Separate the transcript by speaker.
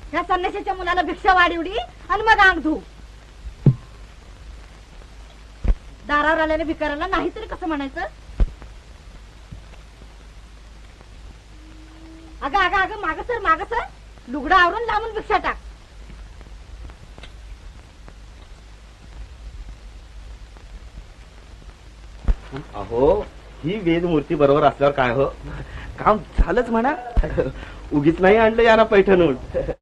Speaker 1: ह्या संन्याशाच्या मुलाला भिक्षा वाढवली आणि मग अंग धू. दारावर आलेल्या भिकाऱ्याला नाहीतरी कसं म्हणायचं? अगं अगं अगं माग सर लुगडं आवरून लांबून भिक्षा टाक.
Speaker 2: अहो ही वेदमूर्ती बरोबर असल्यावर काय हो, काम झालंच म्हणा. उगीच नाही आणलं याना पैठणून.